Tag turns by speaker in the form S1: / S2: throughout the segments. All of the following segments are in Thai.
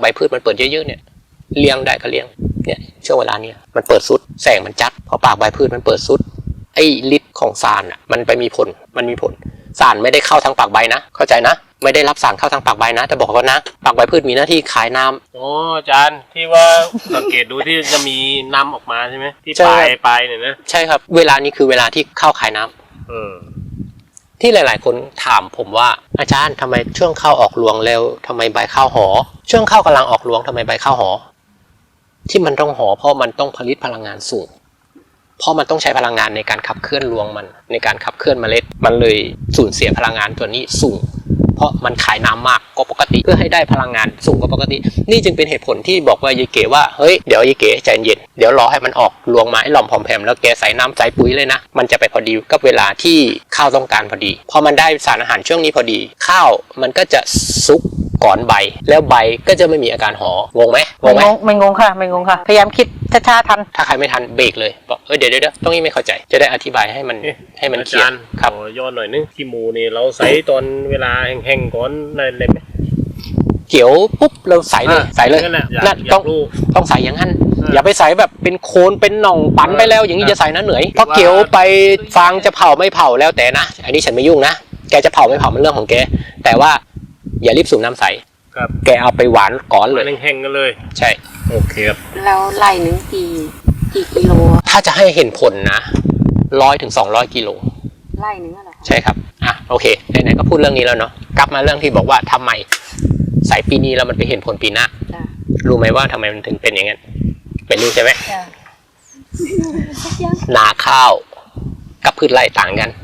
S1: ใบพืชมันเปิดเยอะๆเนี่ยเลี้ยงได้ก็เลี้ยงเนี่ยช่วงเวลานี้มันเปิดสุดแสงมันจัดพอปากใบพืชมันเปิดสุดไอ้ฤทธิ์ของสารมันไปมีผลสารไม่ได้เข้าทางปากใบนะเข้าใจนะไม่ได้รับสารเข้าทางปากใบนะแต่บอกก่อนนะปากใบพืชมีหน้าที่ขายน้ำ
S2: อ๋ออาจารย์ที่ว่าสังเกตดูที่จะมีน้ำออกมาใช่ไหมที่ปลายเนี่ยนะ
S1: ใช่ครับเวลานี้คือเวลาที่เข้าขายน้ำที่หลายๆคนถามผมว่าอาจารย์ทำไมช่วงเข้าออกรวงเร็วทำไมใบข้าวหอช่วงเข้ากำลังออกรวงทำไมใบข้าวหอที่มันต้องหอเพราะมันต้องผลิตพลังงานสูงเพราะมันต้องใช้พลังงานในการขับเคลื่อนรวงมันในการขับเคลื่อนเมล็ดมันเลยสูญเสียพลังงานตัวนี้สูงเพราะมันขายน้ำมากกว่าปกติเพื่อให้ได้พลังงานสูงกว่าปกตินี่จึงเป็นเหตุผลที่บอกว่ายายเก๋ว่าเฮ้ยเดี๋ยวยายเก๋ใจเย็นเดี๋ยวรอให้มันออกรวงมาให้หล่อมผอมแผ่แล้วแกใส่น้ำใส่ปุ๋ยเลยนะมันจะไปพอดีกับเวลาที่ข้าวต้องการพอดีพอมันได้สารอาหารช่วงนี้พอดีข้าวมันก็จะซุกก่อนใบแล้วใบก็จะไม่มีอาการหองงไหม
S3: ไม่งงค่ะไม่งงค่ะพยายามคิดช้าๆทัน
S1: ถ้าใครไม่ทันเบรกเลยบอกเดี๋ยวต้องนี้ไม่เข้าใจจะได้อธิบายให้มันเคลียร์
S2: ครับย้อนหน่อยนึงขี้หมูนี่เราใส่ตอนเวลาแห้งๆก่อนเลยไหม
S1: เกี่ยวปุ๊บเราใส่เลยนั่นต้องใส่อย่างนั้นอย่าไปใส่แบบเป็นโคนเป็นหน่องปั่นไปแล้วอย่างนี้จะใส่นะเหนื่อยเพราะเกี่ยวไปฟางจะเผาไม่เผาแล้วแต่นะอันนี้ฉันไม่ยุ่งนะแกจะเผาไม่เผามันเรื่องของแกแต่ว่าอย่ารีบสูบน้ำใสแกเอาไปหวานก่อนเลย
S2: แห้งๆกันเลย
S1: ใช่
S2: โอเคครับ
S3: แล้วไล่หนึ่งกี่กิโล
S1: ถ้าจะให้เห็นผลนะ100 ถึง 200 กิโล
S3: ไล่หนึ่งอะไร
S1: ใช่ครับโอเคไหนๆก็พูดเรื่องนี้แล้วเนาะกลับมาเรื่องที่บอกว่าทำไมใส่ปีนี้แล้วมันไปเห็นผลปีหน้ารู้ไหมว่าทำไมมันถึงเป็นอย่างนั้นเป็นรู้ใช่ไหมนาข้าวกับพืชไร่ต่างกัน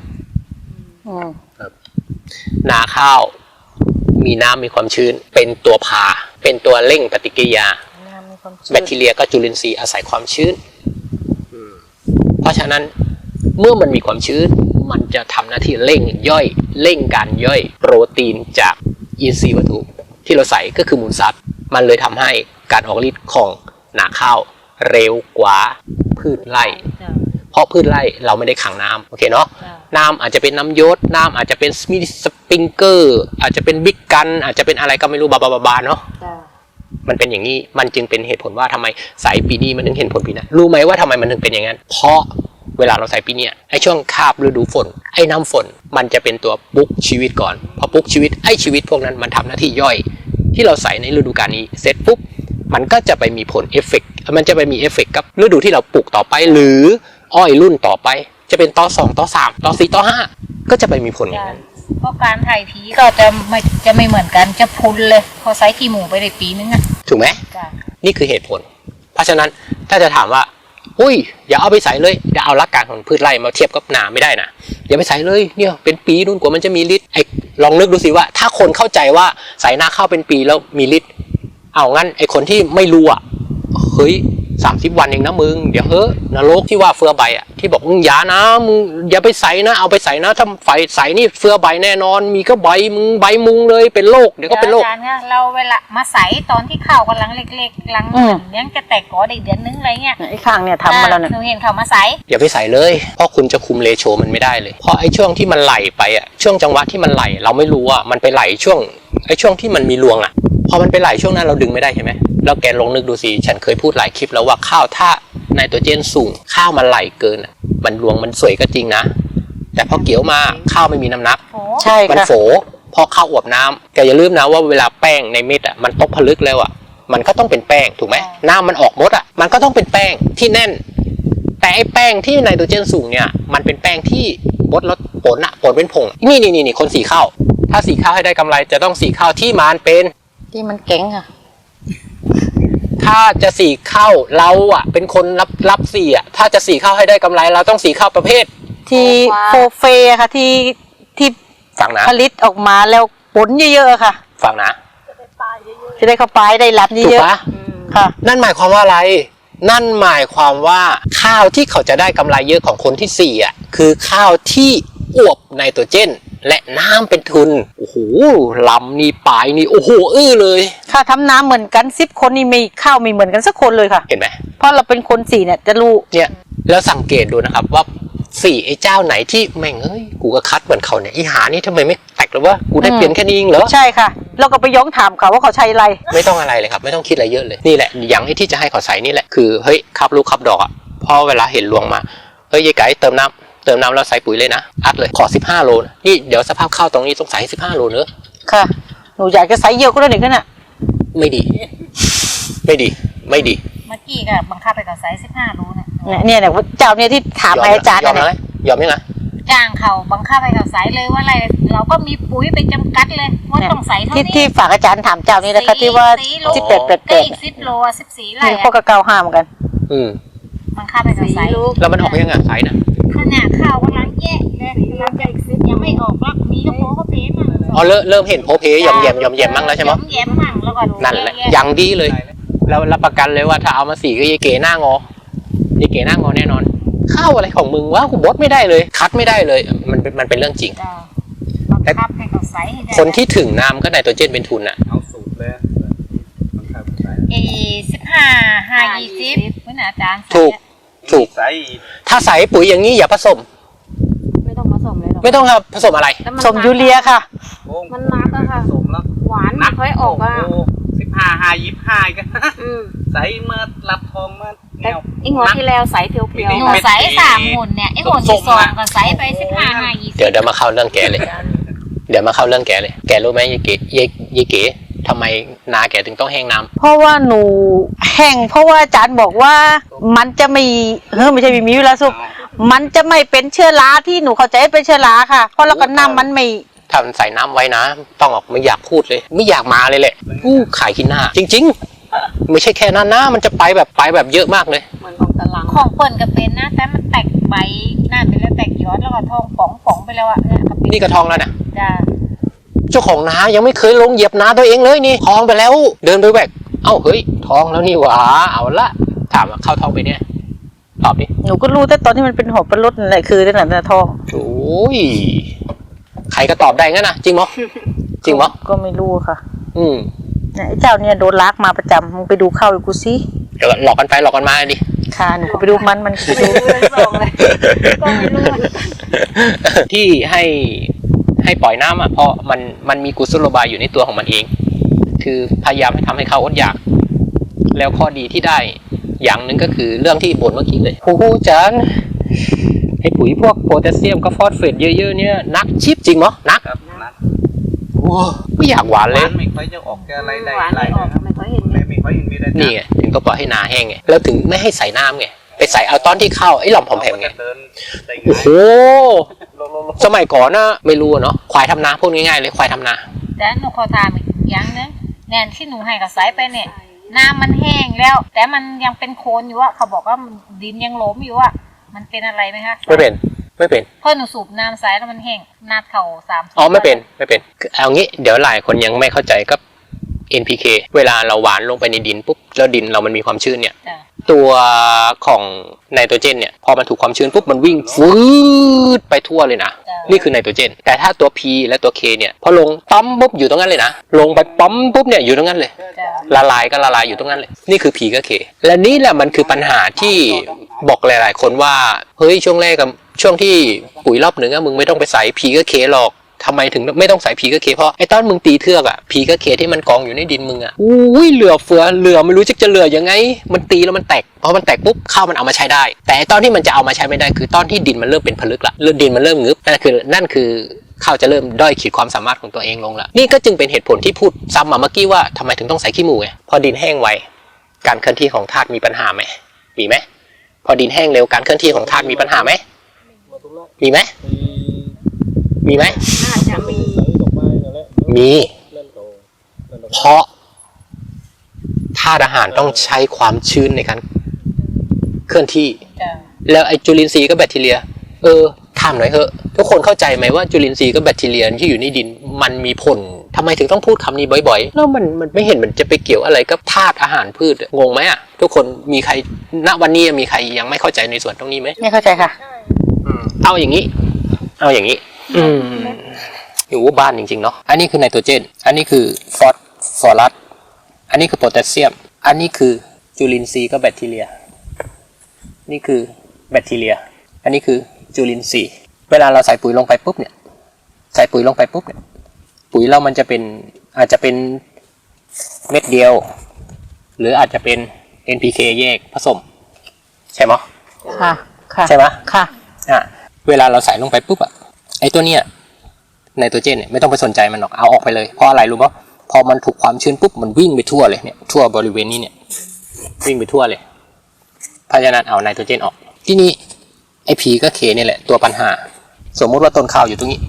S1: นาข้าวมีน้ำมีความชื้นเป็นตัวพาเป็นตัวเร่งปฏิกิริยาแบคทีเรียกับจุลินทรีย์อาศัยความชื้นเพราะฉะนั้นเมื่อมันมีความชื้นมันจะทำหน้าที่เร่งการย่อยโปรตีนจากอินทรีย์วัตถุที่เราใส่ก็คือมูลสัตว์มันเลยทำให้การออกฤทธิ์ของนาข้าวเร็วกว่าพืชไร่เพราะพืชไร่เราไม่ได้ขังน้ำโอเคเนาะน้ำอาจจะเป็นน้ำยศน้ำอาจจะเป็นมิสปริงเกอร์อาจจะเป็นบิ๊กกันอาจจะเป็นอะไรก็ไม่รู้บาเนาะมันเป็นอย่างนี้มันจึงเป็นเหตุผลว่าทำไมใส่ปีนี้มันถึงเห็นผลปีหน้ารู้ไหมว่าทำไมมันถึงเป็นอย่างนั้นเพราะเวลาเราใส่ปีนี้ไอ้ช่วงคาบฤดูฝนไอ้น้ำฝนมันจะเป็นตัวปลุกชีวิตก่อนพอปลุกชีวิตไอ้ชีวิตพวกนั้นมันทำหน้าที่ย่อยที่เราใส่ในฤดูกาลนี้เสร็จปุ๊บมันก็จะไปมีผลเอฟเฟกต์มันจะไปมีเอฟเฟกต์กับฤดูที่เราปลูกต่อไปหรืออ้อยรุ่นต่อไปจะเป็นต่อ2ต่อ3ต่อ4ต่อ5ก็จะไปมีผลอย่างนั้น
S3: เพราะการถ่ายผีก็จะไม่เหมือนกันจะพุนเลยพอไซส์ขี้หมูไปได้ปีนึง
S1: ถูกไหมนี่คือเหตุผลเพราะฉะนั้นถ้าจะถามว่าอุ้ยอย่าเอาไปใส่เลยอย่าเอาหลักการของพืชไร่มาเทียบกับนาไม่ได้นะอย่าไปใส่เลยเนี่ยเป็นปีนู่นกว่ามันจะมีฤทธิ์ลองนึกดูสิว่าถ้าคนเข้าใจว่าใส่นาข้าวเป็นปีแล้วมีฤทธิ์เอางั้นไอ้คนที่ไม่รู้เฮ้ย30 วันเองนะมึงเดี๋ยวนรกที่ว่าเฟือใบที่บอกมึงอย่านะมึงอย่าไปใส่นะเอาไปใส่นะถ้าไฟใส่นี่เฟือใบแน่นอนมีก็ใบมึงใบมุงเลยเป็นโรคเดี๋ยวก็เป็นโรค
S3: เราเวลามาใส่ตอนที่ข้าวกำลังเล็กๆกำลังยังจะแตกกอได้เดือนนึงอะไรเงี้ย
S1: ไอ้
S3: ข้างเนี่ยทำมาแล้วเนี่ยหนูเห็นเขามาใส่
S1: อย่าไปใส่เลยเพราะคุณจะคุมเรโชมันไม่ได้เลยเพราะไอ้ช่วงที่มันไหลไปช่วงจังหวะที่มันไหลเราไม่รู้มันไปไหลช่วงที่มันมีรวงพอมันไปไหลช่วงนั้นเราดึงไม่ได้ใช่ไหมแล้วแกลองนึกดูสิฉันเคยพูดหลายคลิปแล้วว่าข้าวถ้าไนโตรเจนสูงข้าวมันไหลเกินมันรวงมันสวยก็จริงนะแต่พอเกี่ยวมาข้าวไม่มีน้ำหนัก
S3: ใช่
S1: มันโฝพอข้าวอวบน้ำแกอย่าลืมนะว่าเวลาแป้งในเม็ดมันตกผลึกแล้วมันก็ต้องเป็นแป้งถูกไหมน้ำมันออกหมดมันก็ต้องเป็นแป้งที่แน่นแต่ไอ้แป้งที่ไนโตรเจนสูงเนี่ยมันเป็นแป้งที่บดแล้วผลเป็นผงนี่คนสีข้าวถ้าสีข้าวให้ได้กำไรจะต้องสีข้าวที่มันเป็น
S3: ที่มันเก่ง
S1: ถ้าจะสีข้าวเราเป็นคนรับสีถ้าจะสีข้าวให้ได้กำไรเราต้องสีข้าวประเภท
S3: ที่โฟเฟค่ะที่
S1: ฟังนะ
S3: ผลิตออกมาแล้วผลเยอะๆค่ะ
S1: ฟังนะ
S3: จะได้เข้าไปได้รับเยอะ
S1: ๆค่ะนั่นหมายความว่าอะไรนั่นหมายความว่าข้าวที่เขาจะได้กำไรเยอะของคนที่4คือข้าวที่อวบไนโตรเจนและน้ำเป็นทุนโอ้โหลำนี่ปลายนี่โอ้โหเลย
S3: ค่ะทำน้ำเหมือนกัน10 คนนี่มีข้าวไม่เหมือนกันสักคนเลยค่ะ
S1: เห็นไหม
S3: เพราะเราเป็นคน4เนี่ยจะรู้
S1: เนี่ยแล้วสังเกตดูนะครับว่า 4ไอ้เจ้าไหนที่แม่งเอ้ยกูก็คัดเหมือนเขาเนี่ยอีหานี่ทำไมไม่แตกหรือว่ากูได้เปลี่ยนแค่นี้เองเหรอ
S4: ใช่ค่ะแล้วก็ไปย้องถามเขาว่าเขาใช้อะไร
S1: ไม่ต้องอะไรเลยครับไม่ต้องคิดอะไรเยอะเลยนี่แหละอย่างที่จะให้เขาใส่นี่แหละคือเฮ้ยขับลูกขับดอกอ่ะพอเวลาเห็นลวงมาเฮ้ยยายไก่เติมน้ำแล้วใส่ปุ๋ยเลยนะอัดเลยขอ15 โลนะนี่เดี๋ยวสภาพข้าวตรงนี้ต้องใส่15 โลเนอะ
S4: ค่ะหนูอยากจะใส่เยอะก็ได้หนึ่งขึ้นอ่ะ
S1: ไม่ดี
S3: เมื่อกี้ก็บังคับไปกับไซส์15 โลนะ
S4: เนี่ยเจ้าเนี่ยที่ถามอาจารย์
S1: ยอม
S4: เนี่ย
S1: อะไรยอมยังไง
S3: จ้างเขาบังคับไปกับไซส์เลยว่าอะไรเราก็มีปุ๋ยไปจำกัดเลยว่าต้องใส่เท่านี้
S4: ที่ฝากอาจารย์ถามเจ้านี้นะคะที่ว่าที่เป็ด
S3: ก็อีก10 โล14 ไร่
S4: นี่พวกกระเกาห้าเหมือนกัน
S3: บังคับไปกับไซส์
S1: แล้วมันออกยังไงไซส์นะ
S3: ขนาดข้าวกำลังแย่เลยกำลังจะอีก10ยังไม่ออกแล้วมีกระโปงก็เพมั่ง
S1: อ๋อเริ่มเห็นโพเพยอมแยมมั่งแล้วใช่ไหม
S3: ยอมแยมมั่งแล้วก็
S1: นั่นแหละยังดีเลยแล้วรับประกันเลยว่าถ้าเอามาสีก็ยายเก๋หน้างอยายเก๋หน้างอแน่นอนข้าวอะไรของมึงวะกูบดไม่ได้เลยคัดไม่ได้เลยมันเป็นเรื่องจริง
S3: บังคับให้กับไซส์ให้ได้
S1: คนที่ถึงน้ำก็ไนโตรเจนเป็นทุนอ่ะ
S2: เอาสูตรเลยบังคับใส่
S3: 15 5 20เหมือนอาจารย์
S1: ถูก
S2: ใส่
S1: ถ้าใส่ปุ๋ยอย่างนี้อย่าผสม
S5: ไม่ต้องผสมเลยหรอก
S1: ไม่ต้องครับผสมอะไร
S5: แล้วน
S4: สมยูเรียค่ะ
S5: มันนักอะค่ะ
S2: สมแล้ว
S5: หวานไม่ค่อยออกอะ
S2: 15 กัน
S5: อืม
S2: ใส่เมื่อรับทองเมื่อ
S5: แต่อีกหัวที่แล้วใสเพียว
S2: ไม่
S5: ๆ
S2: ได้
S3: หนู
S5: ค่ะ
S3: ไซส์3 หุ่นเนี่ยไอ้หุ่นที่2ก็ไซส์ไป15 5 20
S1: เดี๋ยวมาเข้าเรื่องแกเลย เดี๋ยวมาเข้าเรื่องแกเลย แกรู้ไหมยายเก๋ทำไมนาแกถึงต้องแห้งน้ำ
S4: เพราะว่าหนูแห้งเพราะว่าอาจารย์บอกว่ามันจะไม่ใช่มีเวลาสุกมันจะไม่เป็นเชื้อราที่หนูเข้าใจเป็นเชื้อราค่ะ เพราะเราก็น้ำมันไม่
S1: ถ้ามันใส่น้ำไว้นะต้องออกไม่อยากพูดเลย ไม่อยากมาเลยแหละอู้ขายขี้หน้า จริง ๆ ไม่ใช่แค่นั้นนะมันจะไปแบบเยอะมากเลย
S5: เหมือนของตะลัง
S3: ของเปิ่นก็เป็นนะแต่มันแตกใบนั่นไปแล้วแตกยอดแล้วก็ทองป๋องไปแล้วอะเนี่ยก็เป็น
S1: นี่กระทองแล้วนะ
S3: จ้า
S1: เจ้าของนายังไม่เคยลงเหยียบนาตัวเองเลยนี่ทองไปแล้ว เดินไปแบกเอ้าเฮ้ยทองแล้วนี่หว่าเอาละถามว่าเข้าทองไปเนี่ยตอบดิ
S4: หนูก็รู้แต่ตอนที่มันเป็นหัวปลาลดนั่นแหละคือนั่นแหละทอง
S1: โอ้ยใครก็ตอบได้งั้นนะจริงมั้ยจริงมั้ย
S4: ก็ไม่รู้ค่ะ
S1: เนี่ย
S4: ไอ้เจ้าเนี่ยโดนลากมาประจำมึงไปดูเข้าอีกกูสิ
S1: เดี๋ยวหลอกกันไปหลอกกันมาดิ
S4: ค่ะหนูก็ไปดูมันก็ไปดู
S1: ที่ให้ปล่อยน้ำอ่ะเพราะมันมีกุศโลบายอยู่ในตัวของมันเอง คือพยายามให้ทำให้เขาอดอยาก แล้วข้อดีที่ได้อย่างหนึ่งก็คือเรื่องที่บ่นเมื่อกี้เลยโอ้โหอาจารย์ให้ปุ๋ยพวกโพแทสเซียมกับฟอสเฟตเยอะๆเนี่ยนักชิปจริงมั้ยนัก
S2: ครับนัก
S1: โอ้ไม่อยากหวานเลย
S2: ไม่ค่อยจะออกแกอะไรได้
S5: หวาน
S2: อะไร
S5: ไม่ออก
S2: นะครับ
S5: ไม่ค่อยเห็น
S2: ไม่ค่อยเห็นมีได้
S1: นี่ไงถึงต้องปล่อยให้นาแห้งไงแล้วถึงไม่ให้ใส่น้ำไงไปใส่เอาตอนที่เข้าไอ้หล่อมผอมแผมไง
S2: เดินได้
S1: โอ้โห
S2: ง่าย
S1: สมัยก่อนนะไม่รู้อะเนาะควายทำนาพูดง่ายๆเลยควายทำนา
S3: แต่หนูขอถามอีกอย่างนึงแนนที่หนูให้กับไซส์ไปเนี่ยน้ำมันแห้งแล้ว แต่มันยังเป็นโคลนอยู่อะเขาบอกว่าดินยังหลมอยู่อะมันเป็นอะไรไหมคะ
S1: ไม่เป็น
S3: เพราะหนูสูบน้ำไซส์แล้วมันแห้งนาดเข่า3
S1: อ๋อไม่เป็นคือเอางี้เดี๋ยวหลายคนยังไม่เข้าใจกับ NPK เวลาเราหวานลงไปในดินปุ๊บแล้วดินเรามันมีความชื้นเนี่ย
S3: จ้ะ
S1: ตัวของไนโตรเจนเนี่ยพอมันถูกความชื้นปุ๊บมันวิ่งฟืดไปทั่วเลยนะ
S3: จ้ะ
S1: นี่คือไนโตรเจนแต่ถ้าตัว P และตัว K เนี่ยพอลงปั๊มปุ๊บอยู่ตรงนั้นเลยนะลงไปปั๊มปุ๊บเนี่ยอยู่ตรงนั้นเลย
S3: จ้ะ
S1: ละลายก็ละลายอยู่ตรงนั้นเลยนี่คือ P กับ K และนี่แหละมันคือปัญหาที่บอกหลายๆคนว่าเฮ้ยช่วงแรกกับช่วงที่ปุ๋ยรอบหนึ่งอะมึงไม่ต้องไปใส่ P กับ K หรอกทำไมถึงไม่ต้องใส่ P กับ K เพราะไอ้ตอนมึงตีเทือกอะ P กับ K ที่มันกองอยู่ในดินมึงอะอุ้ยเหลือเฟือเหลือไม่รู้จะเหลือยังไงมันตีแล้วมันแตกพอมันแตกปุ๊บข้าวมันเอามาใช้ได้ แต่ตอนที่มันจะเอามาใช้ไม่ได้คือตอนที่ดินมันเริ่มเป็นผลึกละดินมันเริ่มงึบนั่นคือข้าวจะเริ่มด้อยขีดความสามารถของตัวเองลงละนี่ก็จึงเป็นเหตุผลที่พูดซ้ำมาเมื่อกี้ว่าทำไมถึงต้องใส่ขี้หมูไงพอดินแห้งไวการเคลื่อนที่ของธาตุมีปัญหาไหมมีไหมพอดินแห้งเร็วการเคลื่อนที่ของธาตุมีปัญหาไหมมีไหมมีไหม
S5: น่าจะมี
S1: มีเพราะธาตุอาหารต้องใช้ความชื้นในการเคลื่อนที่
S3: จ้ะ
S1: แล้วไอ้จุลินทรีย์กับแบคทีเรียถามหน่อยเถอะทุกคนเข้าใจไหมว่าจุลินทรีย์กับแบคทีเรียที่อยู่ในดินมันมีผลทำไมถึงต้องพูดคำนี้บ่อยๆแล้วมันไม่เห็นมันจะไปเกี่ยวอะไรกับธาตุอาหารพืชงงไหมอ่ะทุกคนมีใครณวันนี้มีใครยังไม่เข้าใจในส่วนตรงนี้ไหม
S4: ไม่เข้าใจค่ะ
S1: เอาอย่างนี้อยู่บ้านจริงๆเนาะอันนี้คือไนโตรเจนอันนี้คือฟอสฟอรัสอันนี้คือโพแทสเซียมอันนี้คือจุลินทรีย์กับแบคทีเรียนี่คือแบคทีเรียอันนี้คือจุลินทรีย์เวลาเราใส่ปุ๋ยลงไปปุ๊บเนี่ยปุ๋ยเรามันจะเป็นอาจจะเป็นเม็ดเดียวหรืออาจจะเป็น NPK แยกผสมใช่ไหม
S4: ค่ะค่ะ
S1: ใช่ไหม
S4: ค่ะ
S1: เวลาเราใส่ลงไปปุ๊บอะไอตัวเนี้ยไนโตรเจนเนี่ยไม่ต้องไปสนใจมันหรอกเอาออกไปเลยเพราะอะไรรู้ป่ะพอมันถูกความชื้นปุ๊บมันวิ่งไปทั่วเลยเนี่ยทั่วบริเวณนี้เนี่ยวิ่งไปทั่วเลยเพราะฉะนั้นเอาไนโตรเจนออกที่นี่ไอพีก็เคนี่แหละตัวปัญหาสมมุติว่าต้นข้าวอยู่ตรงนี้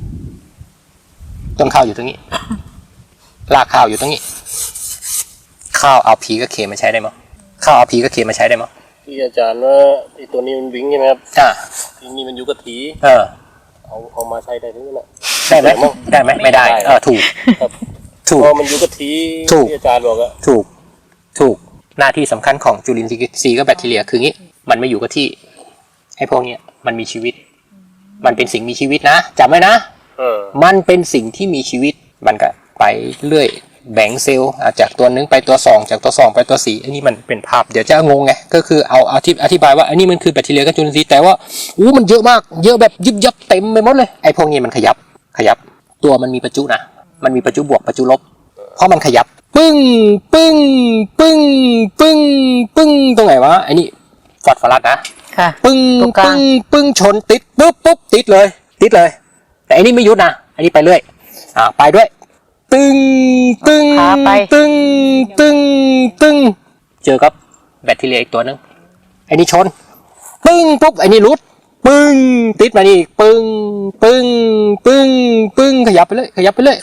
S1: ต้นข้าวอยู่ตรงนี้รากข้าวอยู่ตรงนี้ข้าวเอาพีก็เคมาใช้ได้มั้ยข้าวเอาพีก็เคมาใช้ได้มั้ย
S2: ที่อาจารย์ว่าไอ้ตัวนี้มันวิ่งใช่ไหมครับที่นี่มันอยู่กับที เอามาใช้ได้ทั้งนั้นแหละ
S1: ได้ไหมได้ไหมไม่ได้ถูก
S2: ครับ
S1: ถูก
S2: เพราะมันอยู่กับที
S1: ถูก
S2: ที่อาจารย์บอกอะ
S1: ถูกหน้าที่สำคัญของจุลินทรีย์กับแบคทีเรียคืองี้มันไม่อยู่กับที่ไอ้พวกเนี้ยมันมีชีวิตมันเป็นสิ่งมีชีวิตนะจำไว้นะมันเป็นสิ่งที่มีชีวิตมันก็ไปเรื่อยแบ่งเซลล์จากตัวหนึ่งไปตัว2จากตัว2ไปตัว4อันนี้มันเป็นภาพเดี๋ยวจะงงไงก็คือเอาอธิบายว่าอันนี้มันคือแบคทีเรียกับจุลินทรีย์แต่ว่ามันเยอะมากเยอะแบบยิบยับเต็มไปหมดเลยไอ้พวกนี้มันขยับตัวมันมีประจุนะมันมีประจุบวกประจุลบเพราะมันขยับปึ้งปึ้งปึ้งปึ้งปึ้งตรงไหนวะไอ้นี่ฟอสฟอรัสนะ
S4: ค่ะ
S1: ปึ้งปึ้งปึ้งชนติดปุ๊บติดเลยแต่อันนี้ไม่หยุดนะอันนี้ไปเรื่อยไปด้วยตึงตึงตึงตึงตึงเจอกับแบคทีเรียอีกตัวนึงไอ้นี่ชนปึ้งปุ๊บไอ้นี่รุดปึ้งติดมานี่ปึ้งปึ้งปึ้งปึ้งขยับไปเลย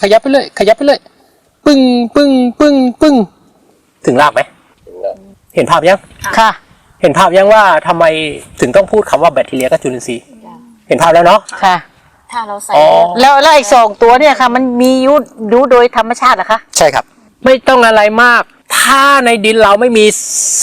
S1: ปึ้งปึ้งปึ้งปึ้งถึงรากไหมเห็นภาพยัง
S4: ค่ะ
S1: เห็นภาพยังว่าทำไมถึงต้องพูดคำว่าแบคทีเรียกับจุลินทรีย์เห็นภาพแล้วเนาะ
S4: ค่ะ
S5: ถ้าเราใส่
S4: แล้วไอ้2ตัวเนี่ยค่ะ มันมีอยู่โดยธรรมชาติเหรอคะ
S1: ใช่ครับไม่ต้องอะไรมากถ้าในดินเราไม่มี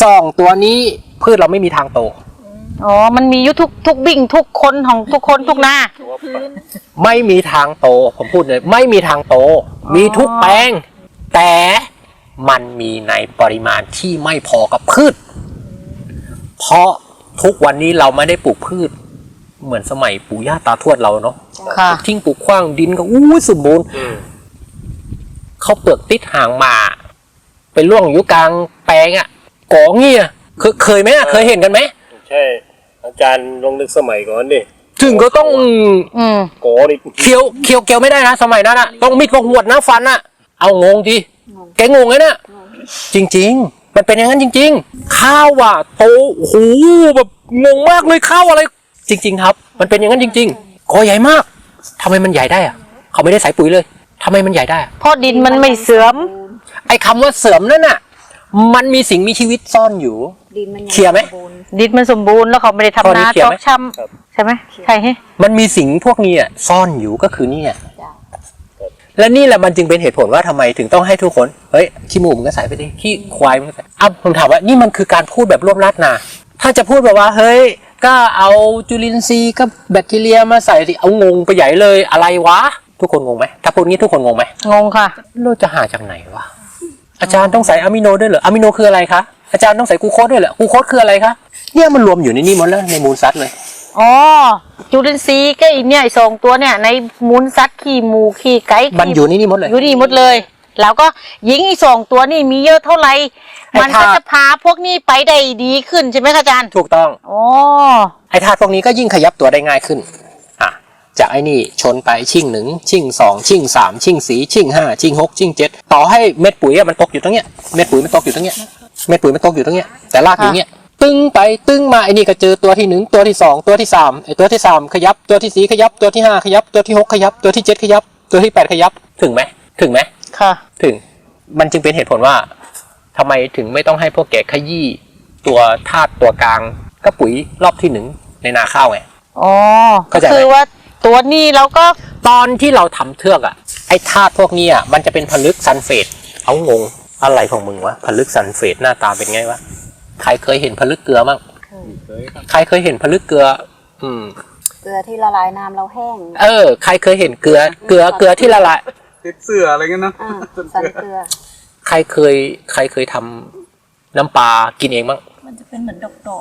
S1: 2ตัวนี้พืชเราไม่มีทางโต
S4: อ๋อ มันมีอยู่ทุกบิ่งทุกคนของทุกคนทุกนา
S1: ไม่มีทางโตผมพูดเลยไม่มีทางโตมีทุกแปลงแต่มันมีในปริมาณที่ไม่พอกับพืชเพราะทุกวันนี้เราไม่ได้ปลูกพืชเหมือนสมัยปู่ย่าตาทวดเราเนาะ
S4: ค่ะ
S1: ทิ้งปลูกขว้างดินก็สมบูรณ์เขาเปลือกติดหางมาไปล่วงอยู่กลางแปลงก่อเงี้ยเคยไหมเคยเห็นกันไหม
S2: ใช่อาจารย์ลองนึกสมัยก่อนดิ
S1: ถึงก็ต้อง
S2: โกดิ
S1: เคี้ยวไม่ได้นะสมัยนั้นต้องมีดกับหวดนะฟันเอางงทีแกงงไงนะจริงๆมันเป็นอย่างนั้นจริงๆข้าวโตโอ้โหแบบงงมากเลยข้าวอะไรจริงๆครับมันเป็นอย่างนั้นจริงๆกอใหญ่มากทำไมมันใหญ่ได้เขาไม่ได้ใส่ปุ๋ยเลยทำไมมันใหญ่ได้
S4: เพราะดินมันไม่เสื่อม
S1: ไอ้คำว่าเสื่อมนั่นมันมีสิ่งมีชีวิตซ่อนอยู่
S5: ดินมัน
S1: เคลียร์ไหม
S4: ดินมันสมบูรณ์แล้วเขาไม่ได้ทำนา
S1: ข้อนี้เคลียร์
S4: จอ
S1: ไหม
S4: กช้ำใช่ไหมใช่ไหม
S1: มันมีสิ่งพวกนี้ซ่อนอยู่ก็คือนี่และนี่แหละมันจึงเป็นเหตุผลว่าทำไมถึงต้องให้ทุกคนเฮ้ยขี้หมูมันก็ใส่ไปดิขี้ควายมันก็ใส่ผมถามว่านี่มันคือการพูดแบบรวบรัดนะถ้าจะพูดแบบว่าเฮ้ยก็เอาจุลินทรีย์กับแบคทีเรียมาใส่สิเอางงไปใหญ่เลยอะไรวะทุกคนงงไหมถ้าพูดงี้ทุกคนงงไหม
S4: งงค่ะ
S1: เราจะหาจากไหนวะอาจารย์ต้องใส่อะมิโนด้วยเหรออะมิโนคืออะไรคะอาจารย์ต้องใส่กลูโคสด้วยเหรอกลูโคสคืออะไรคะเนี่ยมันรวมอยู่ในนี้หมดแล้วในมูลสัตว์เลย
S4: อ๋อ จุลินทรีย์ก็อีเนี่ย2ตัวเนี่ยในมูลสัตว์ขี้หมูขี้ไก่
S1: มันอยู่ในนี้หมดเลย
S4: อยู่นี่หมดเลย แล้วก็หญิงอี2ตัวนี่มีเยอะเท่าไหร่
S1: ไอ้
S4: มันก็จะพาพวกนี้ไปได้ดีขึ้นใช่ไหมคะอาจารย์
S1: ถูกต้อง
S4: อ๋อ
S1: ไอ้ธาตุพวกนี้ก็ยิ่งขยับตัวได้ง่ายขึ้นจากไอ้นี่ชนไปชิ่ง1ชิ่ง2ชิ่ง3ชิ่ง4ชิ่ง5ชิ่ง6ชิ่ง7ต่อให้เม็ดปุ๋ยมันตกอยู่ตรงเนี้ยเม็ดปุ๋ยมันตกอยู่ตรงเนี้ยเม็ดปุ๋ยมันตกอยู่ตรงเนี้ยแต่รากอยู่เนี้ยตึ้งไปตึ้งมาไอ้นี่ก็เจอตัวที่1ตัวที่2ตัวที่3ไอ้ตัวที่3ขยับตัวที่4ขยับตัวที่5ขยับตัวที่6ขยับตัวที่7ขยับตัวที่8ขยับถึงไหม
S4: ค่ะ
S1: ถึงมันจึงเป็นเหตุผลว่าทำไมถึงไม่ต้องให้พวกแกขยี้ตัวธาตุตัวกลางก็ปุ๋ยรอบที่1ในนาข้าวไง
S4: อ๋อ
S1: เข้าใจไหม
S4: คือว่าตัวนี้เราก็
S1: ตอนที่เราทำเทือกไอ้ธาตุพวกนี้มันจะเป็นผลึกซัลเฟตเอางงอะไรของมึงวะผลึกซัลเฟตหน้าตาเป็นไงวะใครเคยเห็นผลึกเกลือมั้งใครเคยเห็นผลึกเกลือ
S5: เกลือที่ละลายน้ำเราแห้ง
S1: ใครเคยเห็นเกลือที่ละลาย
S6: ติดเสื้ออะไรเงี้ยนะ
S5: สันเกลือ
S1: ใครเคยทำน้ำปลากินเองมั้ง
S3: มันจะเป็นเหมือนดอกๆที่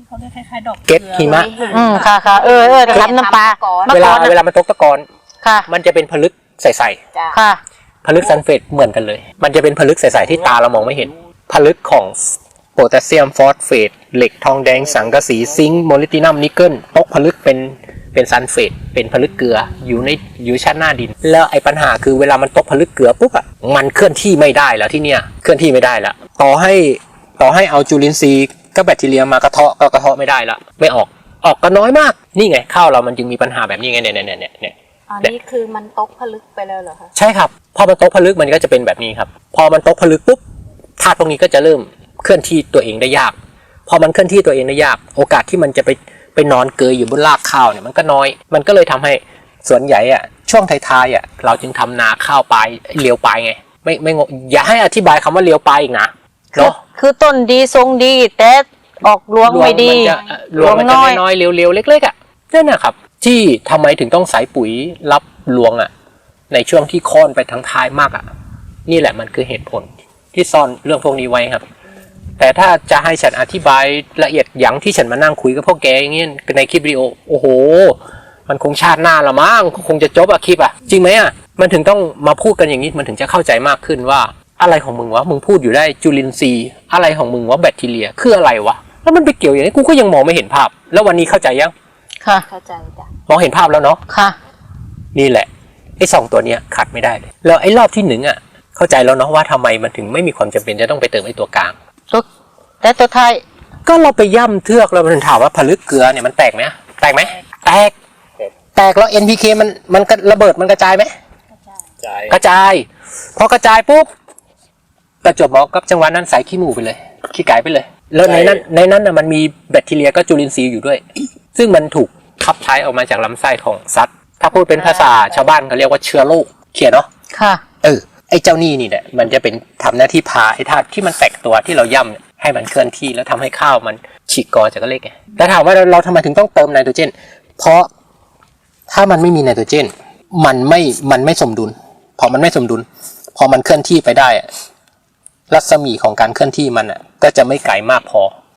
S3: เขาเรียกคล้ายๆดอก
S1: เก็ตหิมะ
S4: ค่ะค่ะทำน้ำปลา
S1: เวลามันตกตะกอน
S4: ค่ะ
S1: มันจะเป็นผลึกใส
S5: จ้ะ
S4: ค่ะ
S1: ๆผลึกซัลเฟตเหมือนกันเลย มันจะเป็นผลึกใสๆที่ตาเรามองไม่เห็นผลึกของโพแทสเซียมฟอสเฟตเหล็กทองแดงสังกะสีซิงค์โมลิบดินัมนิกเกิลตกผลึกเป็นซัลเฟตเป็นผลึกเกลืออยู่ชั้นหน้าดินแล้วไอ้ปัญหาคือเวลามันตกผลึกเกลือปุ๊บอ่ะมันเคลื่อนที่ไม่ได้แล้วที่เนี่ยเคลื่อนที่ไม่ได้แล้วต่อให้เอาจุลินทรีย์กับแบคทีเรียมากระเทาะก็กระเทาะไม่ได้ละไม่ออกก็น้อยมากนี่ไงข้าวเรามันจึงมีปัญหาแบบนี้ไงเนี่ย
S5: อันนี้คือมันตกผลึกไปแล้วเหรอคะ
S1: ใช่ครับพอมันตกผลึกมันก็จะเป็นแบบนี้ครับพอมันตกผลึกปุ๊บธาตุพวกนี้ก็จะเริ่มเคลื่อนที่ตัวเองได้ยากพอมันเคลื่อนที่ตัวเองได้ยากโอกาสที่มันจะไปนอนเกยอยู่บนรากข้าวเนี่ยมันก็น้อยมันก็เลยทำให้ส่วนใหญ่อะช่วงท้ายๆอะเราจึงทำนาข้าวปลายเลี้ยวปลายไงไม่งงอย่าให้อธิบายคำว่าเลี้ยวปลายอีกนะเนาะ
S4: คือต้นดีทรงดีแต่ออกรวงไม่ดี
S1: รวงมันจะน้อยๆเร็วๆเล็กๆอ่ะนั่นนะครับที่ทำไมถึงต้องใส่ปุ๋ยรับรวงอ่ะในช่วงที่ค่อนไปทั้งท้ายมากอ่ะนี่แหละมันคือเหตุผลที่ซ่อนเรื่องพวกนี้ไว้ครับแต่ถ้าจะให้ฉันอธิบายละเอียดอย่างที่ฉันมานั่งคุยกับพวกแกอย่างเงี้ยในคลิปวิดีโอโอ้โหมันคงชาติหน้าละมั้งคงจะจบอะคลิปอะจริงไหมอะมันถึงต้องมาพูดกันอย่างนี้มันถึงจะเข้าใจมากขึ้นว่าอะไรของมึงวะมึงพูดอยู่ได้จุลินทรีย์อะไรของมึงวะแบคทีเรียคืออะไรวะแล้วมันไปเกี่ยวอย่างนี้กูก็ยังมองไม่เห็นภาพแล้ววันนี้เข้าใจยัง
S4: ค่ะ
S5: เข้าใจจ้ะ
S1: มองเห็นภาพแล้วเนาะ
S4: ค่ะ
S1: นี่แหละไอ้2ตัวเนี้ยขาดไม่ได้เลยแล้วไอ้รอบที่1อ่ะเข้าใจแล้วเนาะว่าทำไมมันถึงไม่มีความจำเป็นจะต้องไปเติมไอ้ตัวกลาง
S4: แต่ตัวท้าย
S1: ก็เราไปย่ำเทือกแล้วมันถามว่าผลึกเกลือเนี่ยมันแตกไหมแตกไหมแตกแล้ว NPK มันก็ระเบิดมันกระจายไหม
S2: จ่าย
S1: กระจายพอกระจายปุ๊บประจวบเหมาะกับจังหวะนั้นใส่ขี้หมูไปเลยขี้ไก่ไปเลยแล้วในนั้นน่ะมันมีแบคทีเรียก็จุลินทรีย์อยู่ด้วย ซึ่งมันถูกขับใช้ออกมาจากลำไส้ของสัตว์ถ้าพูดเป็นภาษาชาวบ้านเขาเรียกว่าเชื้อโรคเขียนเนาะ
S4: ค่ะ
S1: ไอ้เจ้านี่แหละมันจะเป็นทำหน้าที่พาไอ้ธาตุที่มันแตกตัวที่เราย่ำเนี่ยให้มันเคลื่อนที่แล้วทำให้ข้าวมันฉีกกอจากเล็กไงแต่ถามว่าเราทำไมถึงต้องเติมไนโตรเจนเพราะถ้ามันไม่มีไนโตรเจนมันไม่สมดุลพอมันไม่สมดุลพอมันเคลื่อนที่ไปได้อะรัศมีของการเคลื่อนที่มันอ่ะก็จะไม่ไกลมากพอ